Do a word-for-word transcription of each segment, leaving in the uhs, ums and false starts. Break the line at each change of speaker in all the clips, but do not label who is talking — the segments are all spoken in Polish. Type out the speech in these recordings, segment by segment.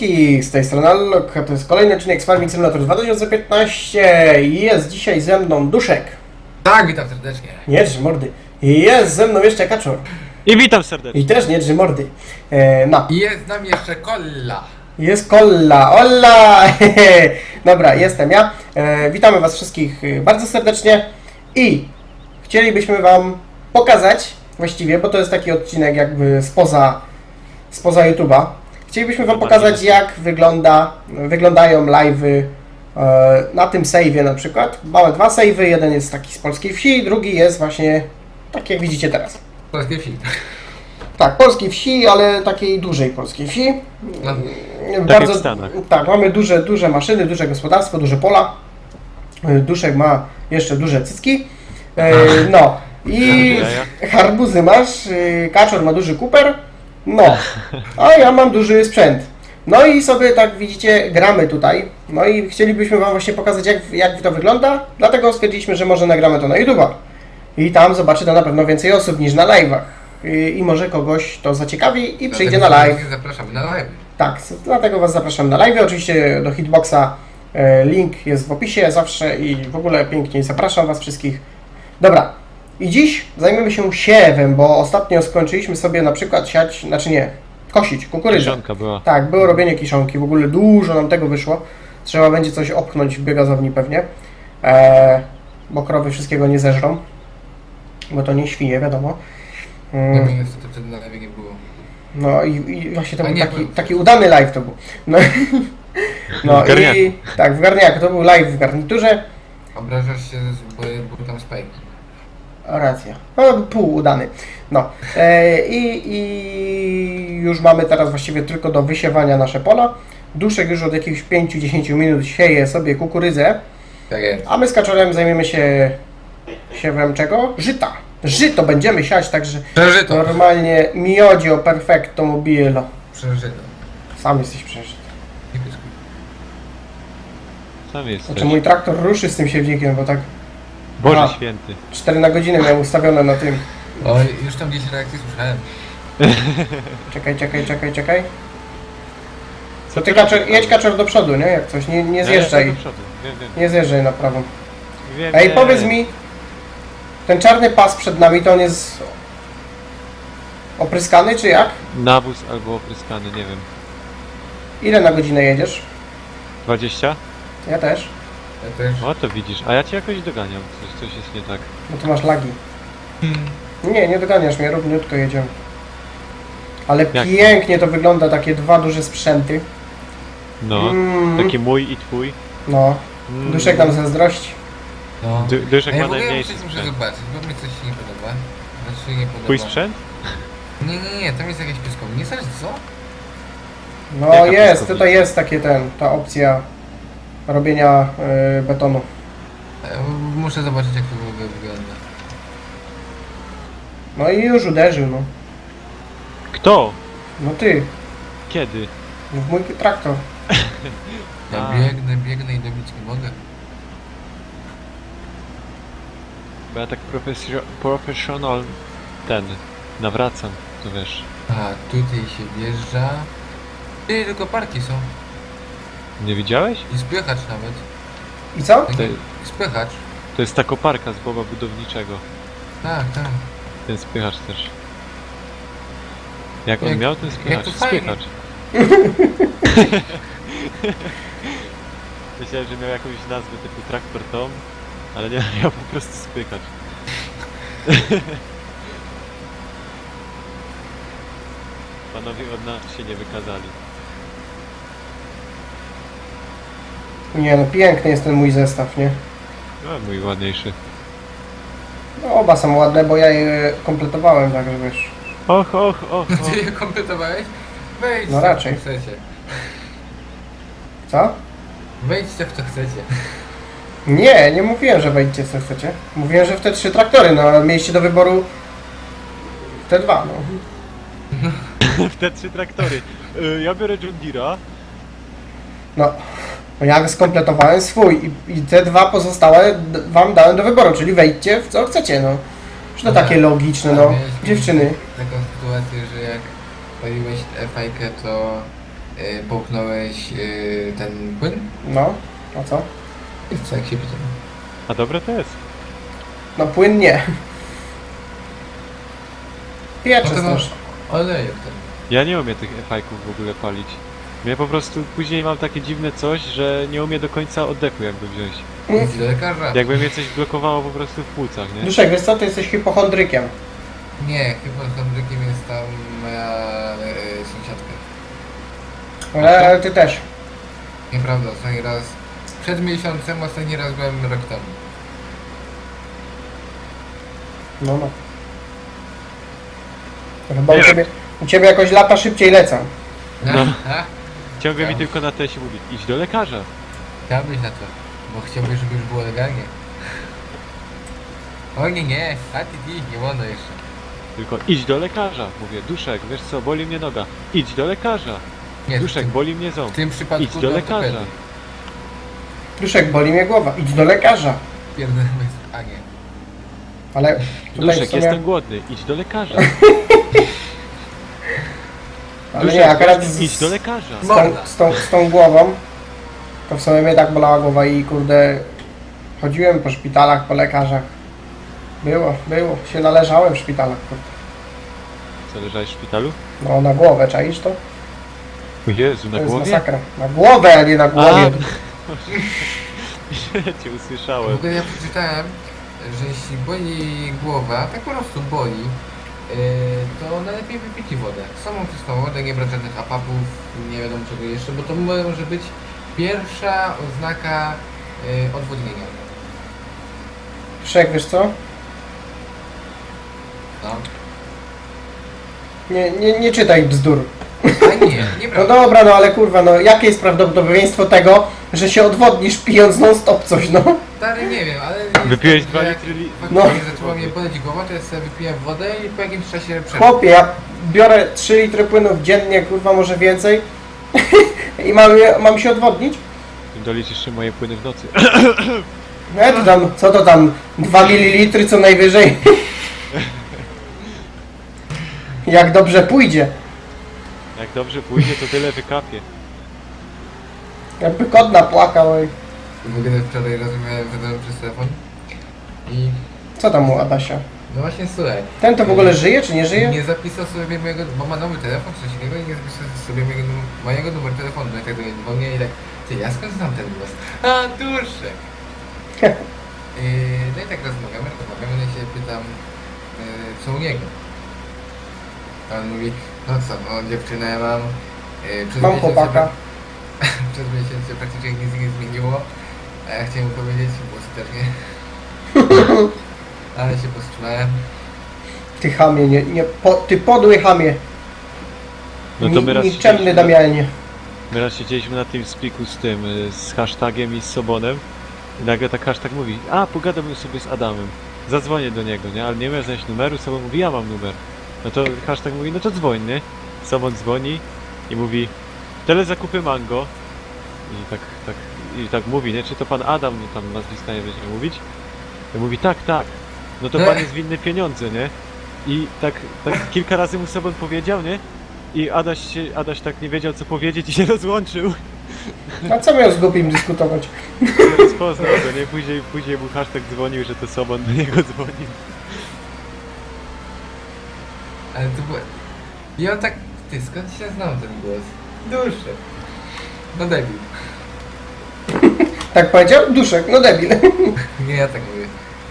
wszystkich, z tej strony Allok, to jest kolejny odcinek z Farming Simulator dwa tysiące piętnaście i jest dzisiaj ze mną Duszek.
Tak, witam serdecznie.
Nie drży mordy. I jest ze mną jeszcze Kaczor.
I witam serdecznie.
I też nie drży mordy. E, no.
I jest z nami jeszcze Kolla.
Jest Kolla, Olla! Dobra, jestem ja. E, witamy was wszystkich e, bardzo serdecznie i chcielibyśmy wam pokazać, właściwie, bo to jest taki odcinek jakby spoza, spoza YouTube'a. Chcielibyśmy wam pokazać, jak wygląda, wyglądają live'y e, na tym save'ie na przykład. Mamy dwa save'y, jeden jest taki z polskiej wsi, drugi jest właśnie tak jak widzicie teraz.
Polskie film.
Tak, polskiej wsi, ale takiej dużej polskiej wsi.
No.
Tak jak w Stanach.
Tak, mamy duże, duże maszyny, duże gospodarstwo, duże pola. Duszek ma jeszcze duże cycki. E, no i harbuzy masz, e, Kaczor ma duży kuper. No, a ja mam duży sprzęt. No i sobie tak widzicie, gramy tutaj. No i chcielibyśmy wam właśnie pokazać, jak, jak to wygląda. Dlatego stwierdziliśmy, że może nagramy to na YouTube'a. I tam zobaczy to na pewno więcej osób niż na live'ach. I, I może kogoś to zaciekawi i przyjdzie na live.
Zapraszamy na live.
Tak, dlatego was zapraszam na live. Oczywiście do Hitboxa e, link jest w opisie zawsze i w ogóle pięknie zapraszam was wszystkich. Dobra, i dziś zajmiemy się siewem, bo ostatnio skończyliśmy sobie na przykład siać, znaczy nie, kosić kukurydzę.
Kiszonka była.
Tak, było robienie kiszonki, w ogóle dużo nam tego wyszło. Trzeba będzie coś opchnąć w biogazowni pewnie, e, bo krowy wszystkiego nie zeżrą, bo to nie świnie, wiadomo.
No
Mm.
mi niestety wtedy na live nie było.
No i, i właśnie to
A
był
nie
taki,
był.
taki udany live to był. No, no
W garniaku.
i tak, w garniaku, to był live w garniturze.
Obrażasz się, bo był tam spike.
A, racja, no pół udany. No e, i, i już mamy teraz właściwie tylko do wysiewania nasze pola. Duszek już od jakichś pięć do dziesięciu minut sieje sobie kukurydzę,
Tak jest.
a my z Kaczorem zajmiemy się siewem czego? Żyta. Żyto będziemy siać, także
Przeżyto.
normalnie miodzio perfecto mobile.
Przeżyto.
Sam jesteś przeżyty.
Nie pyskuj.
Sam jest.
Znaczy mój traktor ruszy z tym siewnikiem, bo tak
Boże
A.
święty.
cztery na godzinę miał ustawione na tym.
Oj, już tam gdzieś reakcje słyszałem.
Czekaj, czekaj, czekaj, czekaj.
Co
To ty
robisz?
kaczor, jedź Kaczor do przodu, nie? Jak coś, nie, nie
Ja
zjeżdżaj.
jestem do przodu. Wiem, wiem.
Nie zjeżdżaj na prawą.
wiem
Ej,
wiem.
powiedz mi, ten czarny pas przed nami, to on jest opryskany, czy jak?
Nawóz albo opryskany, nie wiem.
Ile na godzinę jedziesz?
dwadzieścia?
Ja też.
Ja też.
O, to widzisz. A ja cię jakoś doganiam. Coś, coś jest nie tak.
No to masz lagi. Nie, nie doganiasz mnie, równiutko jedziemy. Ale
Jak?
pięknie to wygląda, takie dwa duże sprzęty.
No.
Mm.
Taki mój i twój.
No,
Mm.
Duszek nam zazdrości.
No.
Du- Duszek
A ja
ma
w ogóle
najmniejszy
muszę, muszę
sprzęt.
zobaczyć, bo mi coś się nie podoba. Znaczy nie podoba.
Twój sprzęt?
Nie, nie, nie, tam jest jakieś piskownie. Nie znasz co?
No
Jaka
jest,
piaskownica?
tutaj jest takie ten, ta opcja robienia y, betonu.
E, Muszę zobaczyć jak to w ogóle wygląda.
No i już uderzył, no.
Kto?
No ty,
Kiedy?
w mój traktor.
Ja
A.
biegnę, biegnę i dobić nie mogę.
Bo ja tak profesjo- professional ten nawracam, to wiesz.
A, tutaj się wjeżdża. Ty, tylko parki są.
Nie widziałeś?
I spychacz nawet.
I co?
To,
I spychacz.
to jest ta koparka z Boba Budowniczego.
Tak, tak.
Ten spychacz też. Jak on
Jak-
miał ten
jak
spychacz?
to fajnie.
Spychacz. Myślałem, że miał jakąś nazwę typu traktor Tom, ale nie, miał po prostu spychacz. Panowie od nas się nie wykazali.
Nie no, piękny jest ten mój zestaw, nie?
No, mój ładniejszy.
No, oba są ładne, bo ja je kompletowałem, także wiesz.
Och, och, och,
No
och.
ty je kompletowałeś? Wejdźcie
No raczej.
w co chcecie.
Co?
Wejdźcie w co chcecie.
Nie, nie mówiłem, że wejdźcie co chcecie. Mówiłem, że w te trzy traktory, no ale mieliście do wyboru te dwa, no.
W te trzy traktory. Y, Ja biorę John Deere'a.
No, ja skompletowałem swój i, i te dwa pozostałe d- wam dałem do wyboru, czyli wejdźcie w co chcecie, no. Czy to
No
takie
tak.
logiczne,
A
no.
miałeś
Dziewczyny.
Taką sytuację, że jak paliłeś F I K, to y, połknąłeś y, ten płyn?
No, a co?
Jest co, jak się pytam.
A dobre to jest.
No płyn nie. Piecze
Potem
też.
olejek ten.
Ja nie umiem tych fajków w ogóle palić. Mnie po prostu później mam takie dziwne coś, że nie umiem do końca oddechu jakby wziąć.
Idź do lekarza.
Jakby mnie coś blokowało po prostu w płucach, nie?
Duszek, wiesz co, ty jesteś hipochondrykiem.
Nie, chyba z Andrykiem jest tam moja y, sąsiadka.
Ale, ale ty też.
Nieprawda, ostatni raz... Przed miesiącem, ostatni raz byłem rok temu.
No, no. Chyba u
Nie.
ciebie, u ciebie jakoś lata szybciej lecą.
No.
A?
Ciągle mi
Tak.
tylko na tesie mówi, idź do lekarza.
Chciałbyś na to, bo chciałbyś, żeby już było legalnie. O nie, nie, a ty, ty, nie wolno jeszcze.
Tylko idź do lekarza. Mówię, Duszek, wiesz co, boli mnie noga. Idź do lekarza.
Nie, w
Duszek,
tym,
boli mnie ząb.
w tym przypadku
Idź do lekarza.
ortopedy.
Duszek, boli mnie głowa. Idź do lekarza.
Pierdolę, a nie.
Ale tutaj w
Duszek,
sumie...
jestem głodny. Idź do lekarza.
Ale
Duszek,
nie, akurat
weź,
z,
idź do
z,
lekarza.
z, tą, z, tą, z tą głową to w sumie mnie tak bolała głowa i kurde chodziłem po szpitalach, po lekarzach. Było, było. Się należałem w szpitalach. Kurde.
Co, leżałeś w szpitalu?
No na głowę, czaisz to?
O Jezu,
To
na
jest
głowie?
masakra. Na głowę, a nie na głowie.
Ja cię
W
usłyszałem.
ogóle ja przeczytałem, że jeśli boli głowa, tak po prostu boli, yy, to najlepiej wypić wodę. Samą czystą wodę, nie brać żadnych apapów, nie wiadomo czego jeszcze, bo to może być pierwsza oznaka yy, odwodnienia.
Duszek, wiesz co?
No.
Nie, nie, nie czytaj bzdur.
A nie,
No
nieprawda.
dobra, no ale kurwa, no jakie jest prawdopodobieństwo tego, że się odwodnisz pijąc non stop coś, no?
Stary, nie wiem, ale... jest
Wypiłeś
tak,
dwa
że jak
litry li...
No.
faktycznie zaczęła mnie boleć głowa, to ja sobie wypiłem wodę i po jakimś czasie przerwę.
Chłopie, ja biorę trzy litry płynów dziennie, kurwa, może więcej i mam, je- mam się odwodnić?
Doliczysz jeszcze moje płyny w nocy.
No ja to tam, co to tam, dwa mililitry co najwyżej. Jak dobrze pójdzie.
Jak dobrze pójdzie, to tyle wykapie.
Jakby kot napłakał. Oj.
W ogóle wczoraj rozmawiałem z Adamem przez telefon i...
Co tam u Adasia?
No właśnie, słuchaj.
Ten to w ogóle żyje, czy nie żyje?
Nie zapisał sobie mojego, bo ma nowy telefon, coś innego i nie zapisał sobie mojego, num- mojego numeru telefonu. No i tak do niego dzwonię i tak, ty, ja skąd znam ten głos? A, Duszek! Yy, no i tak rozmawiamy, rozmawiamy, no i się pytam, yy, co u niego. A on mówi, no co, no dziewczynę ja mam, yy, przez
Mam
miesiąc
chłopaka.
się- przez miesiąc się praktycznie nic nie zmieniło, a ja chciałem mu powiedzieć, głosy też nie. Ale się powstrzymałem.
Ty chamie, nie, nie, po, ty podły chamie.
No to my raz
Nikczemny
siedzieliśmy-
Damianie.
My raz siedzieliśmy na tym spiku z tym, y, z hashtagiem i z Sobonem. I nagle tak hashtag mówi, a pogadam sobie z Adamem. Zadzwonię do niego, nie? Ale nie miał znaleźć numeru, Sobon mówi, ja mam numer. No to hashtag mówi, no to dzwoń, nie? Sobon dzwoni i mówi, telezakupy mango. I tak, tak, i tak mówi, nie? Czy to pan Adam, no tam nazwiska nie będzie mówić? I mówi, tak, tak. No to pan jest winny pieniądze, nie? I tak, tak kilka razy mu Sobon powiedział, nie? I Adaś, się, Adaś tak nie wiedział co powiedzieć i się rozłączył.
A co miał z głupim dyskutować?
Nie rozpoznał go, nie? Później, później mu hashtag dzwonił, że to Sobon do niego dzwonił.
Ale to było... I on tak... Ty, skąd się znał ten głos? Duszek. No debil.
Tak powiedział? Duszek, no debil.
Nie, ja tak mówię.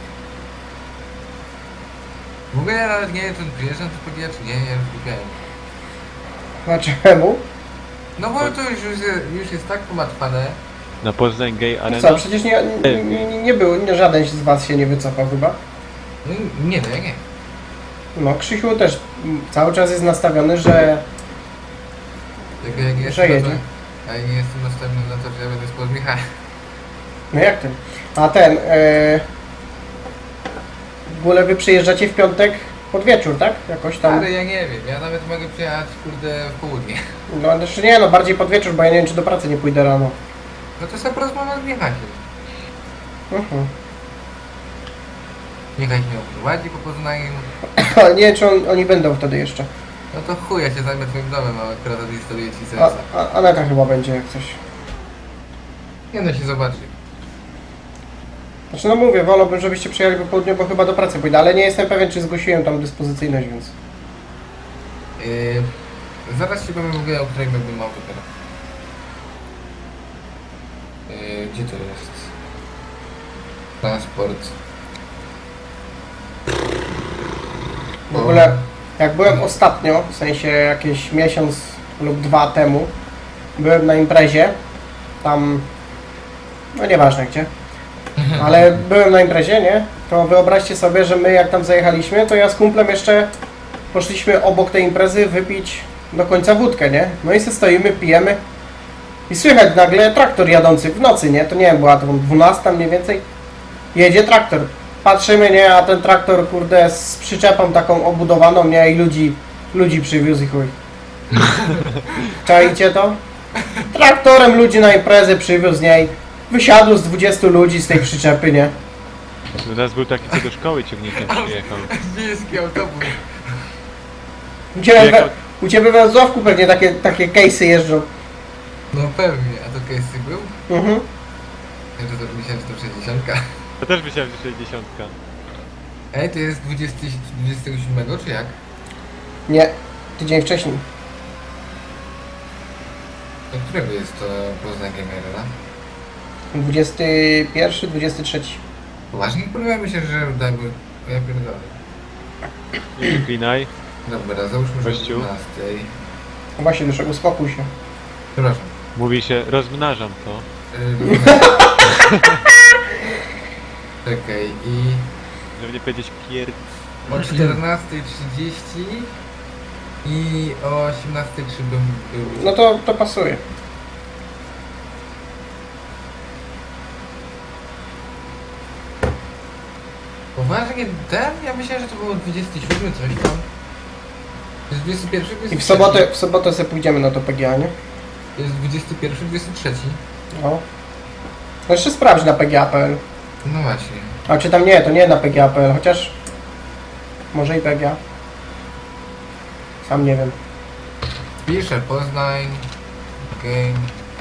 W ogóle ja nawet nie wiem, czy on przyjeżdża do Podia, czy nie, ja już kupiałem.
A czemu?
No bo to już, już, jest, już jest tak pomatwane.
Na Poznań Gay
No
Arena.
co, przecież nie, nie, nie, nie było, nie, żaden z was się nie wycofał chyba.
No nie, no ja nie.
No Krzysiu też mm, cały czas jest nastawiony, że...
Tylko jak nie
Że
jestem,
jedzie.
na- a ja nie jestem nastawiony na to, że ja będę spod Michała.
No jak ten? A ten... E... W ogóle wy przyjeżdżacie w piątek pod wieczór, tak? Jakoś tam...
Ale ja nie wiem, ja nawet mogę przyjechać, kurde, w południe.
No znaczy nie, no bardziej pod wieczór, bo ja nie wiem, czy do pracy nie pójdę rano.
No to sobie porozmawiam z Michałem.
Mhm.
Michał mnie oprowadzi po Poznaniu.
Ale nie wiem, czy on, oni będą wtedy jeszcze.
No to chuj, ja się zajmę twoim domem, a akurat odinstaluję ci
A,
serca.
a, Aneta chyba będzie jak coś.
Nie no, się zobaczy.
Znaczy no mówię, wolałbym, żebyście przyjechali po południu, bo chyba do pracy pójdę, ale nie jestem pewien, czy zgłosiłem tam dyspozycyjność, więc...
Yy, zaraz ci powiem w ogóle, o której bym auto teraz. Yy, gdzie to jest? Transport.
W ogóle, jak byłem ostatnio, w sensie jakiś miesiąc lub dwa temu, byłem na imprezie, tam, no nieważne gdzie, ale byłem na imprezie, nie? To wyobraźcie sobie, że my jak tam zajechaliśmy, to ja z kumplem jeszcze poszliśmy obok tej imprezy wypić do końca wódkę, nie? No i se stoimy, pijemy i słychać nagle traktor jadący w nocy, nie? To nie wiem, była to dwunasta mniej więcej. Jedzie traktor. Patrzymy, nie? A ten traktor, kurde, z przyczepą taką obudowaną, nie? I ludzi, ludzi przywiózł i chuj. Czajcie to? Traktorem ludzi na imprezę przywiózł, nie? Wysiadło z dwudziestu ludzi z tej przyczepy, nie?
U nas był taki, co do szkoły ciągnikiem przyjechał.
Miejski autobus.
U Ciebie, we,
Jechał-
u ciebie we Wrocławku pewnie takie, takie case'y jeżdżą.
No pewnie, a to Casey był?
Mhm.
Ja to, to myślałem, że to sześćdziesiątka.
Ja też myślałem, że sześćdziesiątka.
Ej, to jest dwudziestego siódmego czy jak?
Nie, tydzień wcześniej.
Do którego jest to Poznań Game Arena?
dwudziesty pierwszy, dwudziesty trzeci.
Poważnie? Podoba mi się, że dajmy... Ja pierdolę.
Nie wyklinaj.
Dobra, załóżmy, że o
Gościu.
dwunastej.
No właśnie, Duszek, uspokój się.
Przepraszam.
Mówi się, rozmnażam to.
Yy, Czekaj, i
Żeby nie powiedzieć pier...
o czternastej trzydzieści i o osiemnastej trzy bym był.
No to, to pasuje.
Poważnie, ten? Ja myślałem, że to było dwudziesty siódmy, coś tam. To jest dwudziesty pierwszy,
I
dwudziesty
w sobotę, w sobotę sobie pójdziemy na to P G A, nie?
To jest dwudziesty pierwszy, dwudziesty trzeci.
No. No jeszcze sprawdź na P G A kropka P L.
No właśnie.
A czy tam nie, to nie na P G A kropka P L, chociaż... Może i P G A. Sam nie wiem.
Pisze Poznań, Game,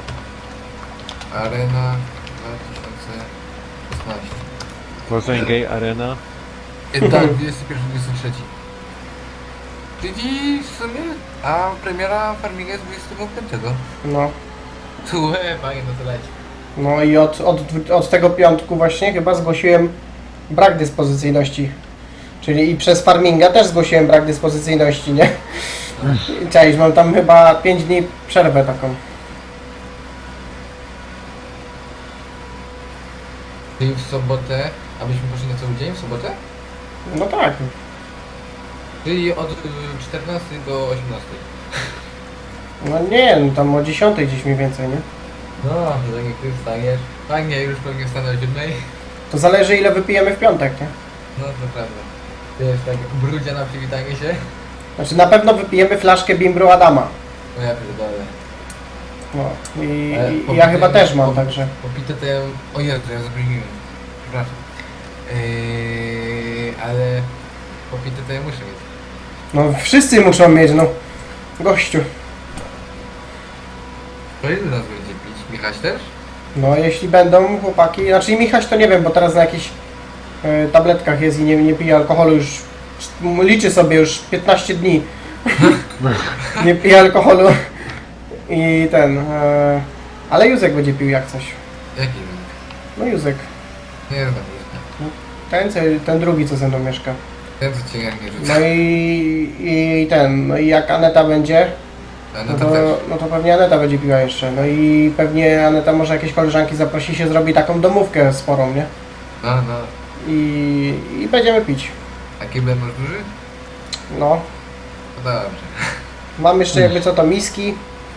Arena dwa tysiące szesnaście.
Poznań Gay Arena.
E, tak, dwudziesty pierwszy, dwudziesty trzeci. Czyli w sumie, a premiera Farminga jest dwudziestego piątego.
No.
Tu, e, fajnie, no to leci.
No i od, od, od tego piątku właśnie chyba zgłosiłem brak dyspozycyjności. Czyli i przez Farminga też zgłosiłem brak dyspozycyjności, nie? Cześć, mam tam chyba pięć dni przerwę taką.
Czyli w sobotę, abyśmy poszli na cały dzień w sobotę?
No tak.
Czyli od y, czternastej do osiemnastej.
No nie, no tam o dziesiątej gdzieś mniej więcej, nie?
No, że jak ty wstaniesz. Fajnie, już pewnie wstanę o siódmej.
To zależy ile wypijemy w piątek, nie?
No to prawda. To jest tak brudzia na przywitanie się.
Znaczy na pewno wypijemy flaszkę Bimbru Adama.
No ja pierdolę.
No i,
Ale
i
popite-
ja chyba też mam,
pop-
także.
Popite to ja... O Jezu, ja zapomniałem. Przepraszam. Yy, ale... Popite to ja muszę mieć.
No wszyscy muszą mieć, no. Gościu.
To ile nas będzie pić? Michaś też?
No jeśli będą chłopaki, znaczy i Michaś to nie wiem, bo teraz na jakichś e, tabletkach jest i nie, nie pije alkoholu już, liczy sobie już piętnaście dni. Nie pije alkoholu i ten, e, ale Józek będzie pił jak coś.
Jaki?
No Józek,
Nie znam już.
ten, co, ten drugi co ze mną mieszka.
Ten co cię jak nie rzuca.
No i, i ten, no i jak Aneta będzie,
A
no
no to
to,
też.
no to pewnie Aneta będzie piła jeszcze. No i pewnie Aneta może jakieś koleżanki zaprosi się, zrobi taką domówkę sporą, nie?
No, no.
I, i będziemy pić.
A kibel masz duży?
No.
No dobrze.
Mam jeszcze jakby co to miski.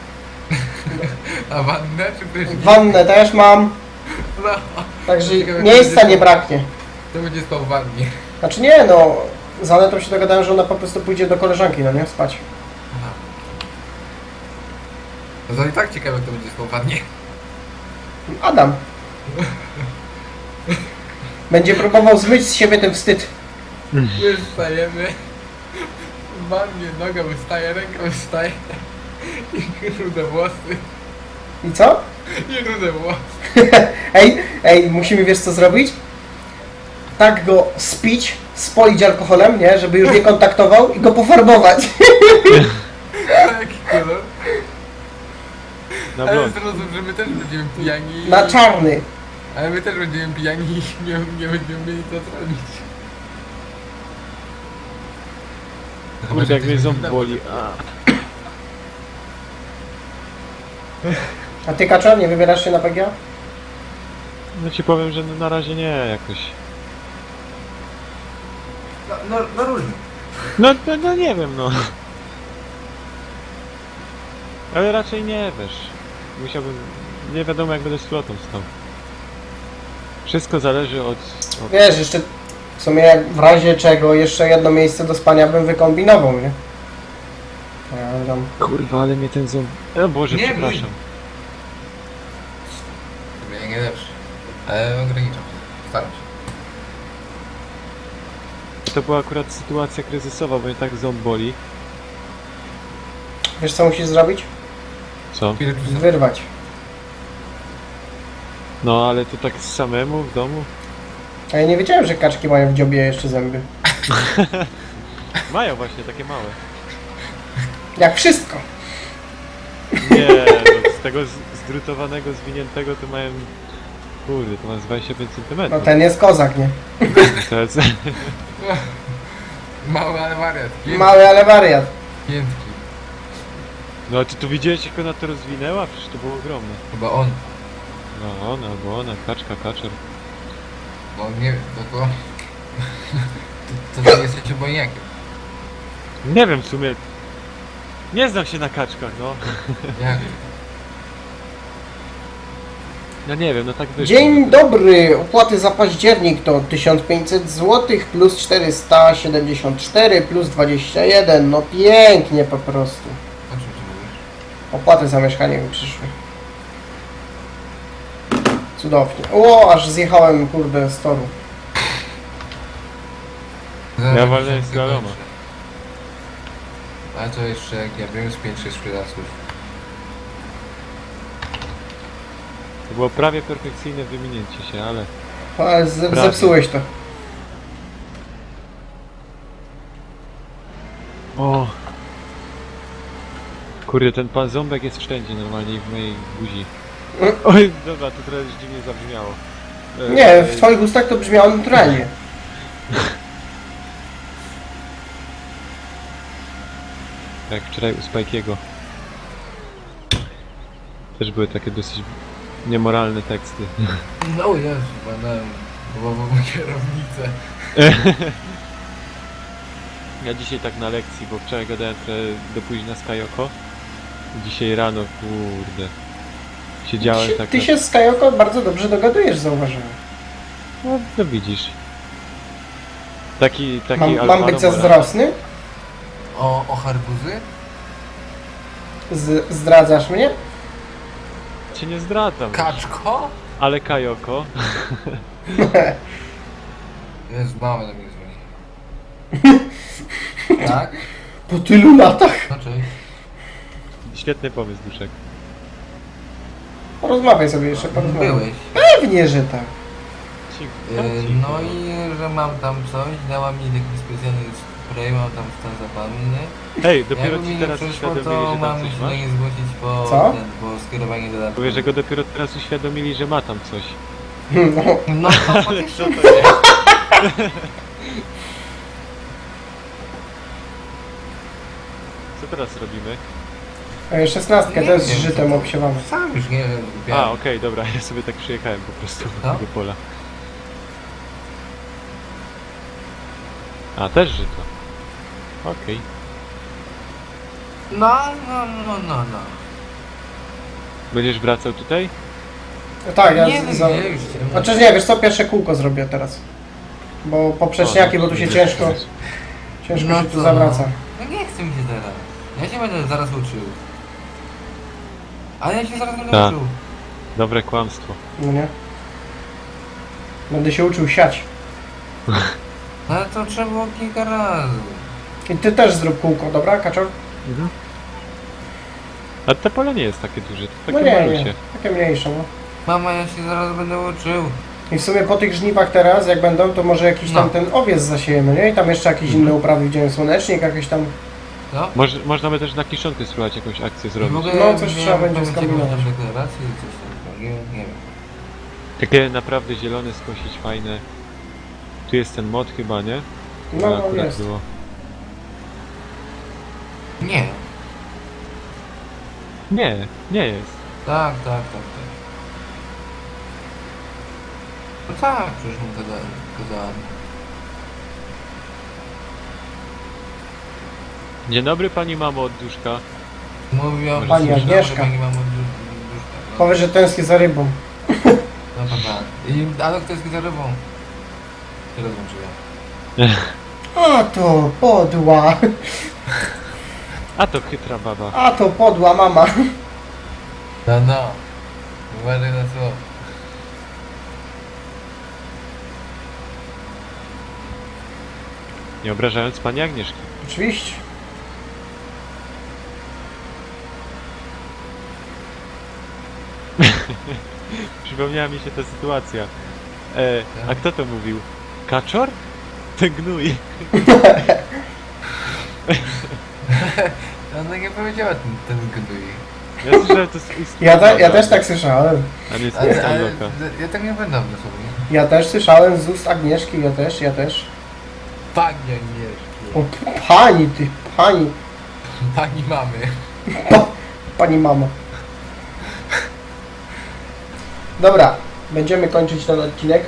A wannę czy prysznic?
Wannę też mam.
No.
Także
Ciekawe,
miejsca
będzie-
nie braknie.
To będzie spał w wannie.
Znaczy nie no. Z Anetą się dogadałem, że ona po prostu pójdzie do koleżanki, no nie? Spać.
Aha. No to i tak ciekawe kto będzie spał w wannie.
Adam. Będzie próbował zmyć z siebie ten wstyd.
Już wstajemy. Normalnie noga wystaje, ręka wystaje. I rude włosy.
I co?
I rude włosy.
Ej, ej, musimy wiesz co zrobić? Tak go spić, spolić alkoholem, nie? Żeby już nie kontaktował i go pofarbować.
Jaki kolor?
Na
Ale
blond.
zrozum, że my też będziemy pijani. i-
Na czarny.
Ale my też będziemy pijani i nie, nie będziemy mieli co zrobić.
Kurde, jak mnie ząb boli. A.
A ty, Kaczor, nie wybierasz się na P G A?
No ci powiem, że no na razie nie jakoś.
No, no, no różnie.
No, no, no nie wiem no. Ale raczej nie wiesz. Musiałbym. Nie wiadomo jak będę z flotą stał. Wszystko zależy od. od...
Wiesz, jeszcze w sumie jak w razie czego jeszcze jedno miejsce do spania bym wykombinował, nie? Ja tam...
Kurwa, ale mnie ten ząb. O Boże,
Nie,
przepraszam.
Chyba nie lepszy. Ale ograniczam się. Staram się.
To była akurat sytuacja kryzysowa, bo mnie tak ząb boli.
Wiesz co musisz zrobić?
Co?
Spirytusa.
Wyrwać.
No ale to tak samemu w domu?
A ja nie wiedziałem, że kaczki mają w dziobie jeszcze zęby.
Mają właśnie takie małe.
Jak wszystko.
Nie, no, z tego z- zdrutowanego, zwiniętego to mają... Kurde, to ma z dwadzieścia pięć
No
centymetrów.
ten jest kozak, nie?
To jest...
Mały, ale wariat. Piętki.
Mały, ale wariat.
Piętki.
No a ty tu widziałeś jak ona to rozwinęła? Przecież to było ogromne.
Chyba on.
No ona, albo ona, kaczka, kaczor.
Bo on nie wiem, to to... To ty jesteś obojniakiem.
Nie wiem w sumie... Nie znam się na kaczkach, no.
Jak?
No nie wiem, no tak wyszło.
Dzień dobry. Opłaty za październik to tysiąc pięćset złotych plus czterysta siedemdziesiąt cztery plus dwadzieścia jeden. No pięknie po prostu.
O czym ty mówisz?
Opłaty za mieszkanie mi przyszły. Cudownie. O, aż zjechałem, kurde, z toru.
Ja walnę z galoma.
Ale to jeszcze jak ja wiem z pięć sześć sprzedawców.
To było prawie perfekcyjne wyminięcie się, ale...
Ale z-
Prawie.
zepsułeś to.
O. Kurde, ten pan ząbek jest wszędzie normalnie i w mojej buzi. Oj, dobra, to trochę dziwnie zabrzmiało. E,
Nie, w twoich ustach to brzmiało naturalnie.
Jak wczoraj u Spike'ego. Też były takie dosyć niemoralne teksty.
No Jezu, badałem głowową kierownicę.
Ja dzisiaj tak na lekcji, bo wczoraj gadałem trochę do późna z Kajoko. Dzisiaj rano, kurde. Siedziałem
Ty,
tak
ty
na...
się z Kajoko bardzo dobrze dogadujesz, zauważyłem.
No, no widzisz. Taki, taki
Mam, mam
Alvaro
być
Morales.
zazdrosny?
O, o harbuzy?
Z, zdradzasz mnie?
Cię nie zdradzam.
Kaczko?
Ale Kajoko.
Jezu, mama do mnie dzwoni. Tak?
Po tylu latach?
No cześć.
Świetny pomysł, Duszek.
Porozmawiaj sobie jeszcze, porozmawiaj.
Byłeś.
Pewnie, że tak.
Ci-
Yy,
ci-
no i że mam tam coś, dała mi taki specjalny spray, mam tam stan zapalny.
Hej, dopiero
Jakby mi
ci
nie
teraz
przyszło,
uświadomili,
to
że
mam
tam coś
się
masz?
do niej zgłosić po,
Co?
ten, po skierowanie do
Mówię, że go dopiero teraz uświadomili, że ma tam coś.
No,
No to
Ale
faktycznie.
co to jest? Co teraz robimy?
e, szesnastkę
Nie
też z
wiem,
żytem
co to-
obsiewamy.
Sam już nie wiem.
A, okej, dobra, ja sobie tak przyjechałem po prostu do
Co?
tego pola. A, też żyto. Okej.
No, no, no, no, no.
Będziesz wracał tutaj?
No tak, ja
Nie
z,
wiem,
za...
nie, już ciemno.
Znaczy nie, wiesz co, pierwsze kółko zrobię teraz. Bo poprzeczniaki, bo tu się ciężko, ciężko
No
się tu
to-
zawraca.
No nie chcę mi się teraz. Ja się będę zaraz uczył. Ale ja się zaraz będę
Tak.
uczył.
Dobre kłamstwo.
No nie? Będę się uczył siać.
No ale to trzeba było kilka razy.
I ty też zrób kółko, dobra, Kaczor?
Mhm. A te pole nie jest takie duże, to
No
takie
nie,
malusie.
nie, takie mniejsze, no.
Mama, ja się zaraz będę uczył.
I w sumie po tych żniwach teraz, jak będą, to może jakiś tam
No.
ten owiec zasiejemy, nie? I tam jeszcze jakieś inne uprawy widziałem, słonecznik, jakieś tam...
No?
Moż, można by też na kiszonkę spróbować jakąś akcję
I w
zrobić.
ogóle
No, coś
nie
trzeba będzie
pamiętam,
skombinować.
jakieś tam deklaracje i coś tam. Nie, nie wiem.
Takie naprawdę zielone skosić, fajne. Tu jest ten mod chyba, nie?
No,
To
no
akurat
jest.
było.
Nie.
Nie, nie jest.
Tak, tak, tak, tak. No tak, przecież mu gadałem. gadałem.
Dzień dobry pani mamo od duszka.
Mówią,
Pani
że
Agnieszka.
Pani mam duszka.
Powiedz, że tęskni za rybą.
No dobra. I ale kto jest za rybą? Się rozłączyłem.
A to podła,
A to chytra baba.
a to podła mama.
No no. Uważaj na co.
Nie obrażając pani Agnieszki.
Oczywiście.
Przypomniała mi się ta sytuacja. E, a kto to mówił? Kaczor? Ten gnój.
Ona nie powiedziała ten, ten gnój.
Ja słyszałem to z ust.
Ja, te, ja też tak słyszałem.
A nie z
Ale,
ust
ale
Loka.
ja tak nie będę dosłownie.
Ja też słyszałem z ust Agnieszki, ja też, ja też.
Pani Agnieszki.
O, p- pani ty, pani,
Pani mamy.
pani mamo. Dobra, będziemy kończyć ten odcinek.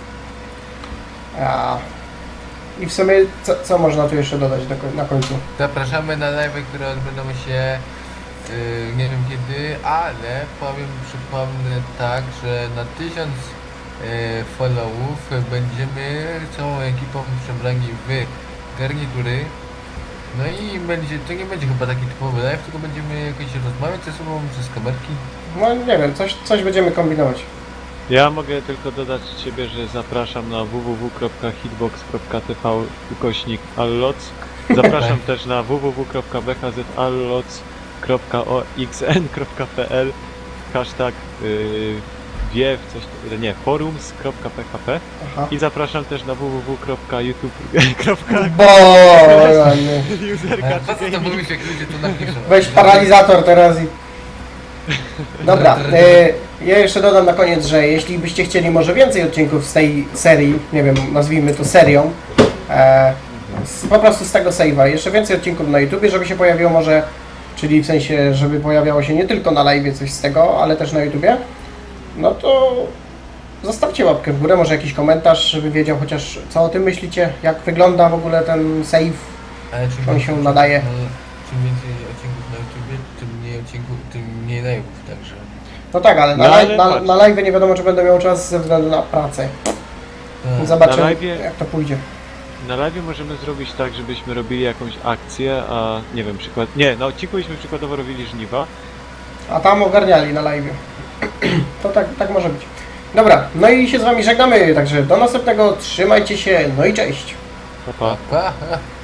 A, I w sumie, co, co można tu jeszcze dodać do, koń- na końcu?
Zapraszamy na live, które odbędą się yy, nie wiem kiedy, ale powiem, przypomnę tak, że na tysiąc yy, followów będziemy całą ekipą przebrani w garnitury. No i będzie, to nie będzie chyba taki typowy live, tylko będziemy jakoś rozmawiać ze sobą przez kamerki.
No nie wiem, coś, coś będziemy kombinować.
Ja mogę tylko dodać od siebie, że zapraszam na w w w kropka hitbox kropka t v ukośnik alloc. Zapraszam też na w w w kropka b h z alloc kropka o x n kropka p l hashtag yy, wiew coś, nie, forums kropka p h p
Aha.
i zapraszam też na w w w kropka youtube kropka
Bo,
user
Ale po co to mówisz, jak ludzie to napiszą?
weź paralizator teraz i... Dobra, e, ja jeszcze dodam na koniec, że jeśli byście chcieli może więcej odcinków z tej serii, nie wiem, nazwijmy to serią, e, z, po prostu z tego save'a, jeszcze więcej odcinków na YouTubie, żeby się pojawiło może, czyli w sensie, żeby pojawiało się nie tylko na live coś z tego, ale też na YouTubie, no to zostawcie łapkę w górę, może jakiś komentarz, żeby wiedział chociaż co o tym myślicie, jak wygląda w ogóle ten save.
Ale czym
on
więcej-
się nadaje.
no, czym więcej odcinków na YouTubie, tym mniej odcinków, tym mniej live'ów, także...
No tak, ale na,
No, ale
live, na,
patrz.
na live nie wiadomo, czy będę miał czas ze względu na pracę.
Tak.
Zobaczymy,
Na live'ie-
jak to pójdzie.
Na live możemy zrobić tak, żebyśmy robili jakąś akcję, a nie wiem, przykład... Nie, na odcinku byśmy przykładowo robili żniwa.
A tam ogarniali na live. To tak, tak może być. Dobra, no i się z Wami żegnamy, także do następnego, trzymajcie się, no i cześć.
Pa, pa.
Pa, pa.